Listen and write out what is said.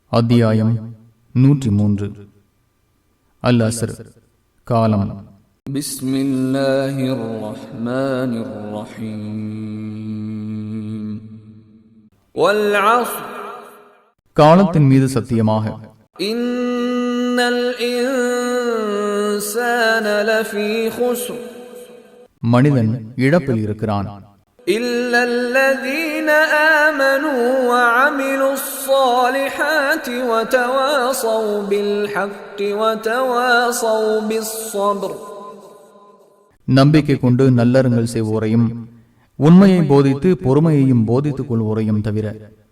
அத்தியாயம் 103. அல் அஸ்ர், காலம். பிஸ்மில்லாஹிர் ரஹ்மானிர் ரஹீம். வல் அஸ்ர், காலத்தின் மீது சத்தியமாக. இன்னல் இன்சான லஃபீ குஸ்ர், மனிதன் இழப்பில் இருக்கிறான். إلا الذين آمنوا وعملوا الصالحات وتواصوا بالحق وتواصوا بالصبر. நம்பிக்கை கொண்டு நல்லறங்கள் செய்வோரையும் உண்மையை போதித்து பொறுமையையும் போதித்துக் கொள்வோரையும் தவிர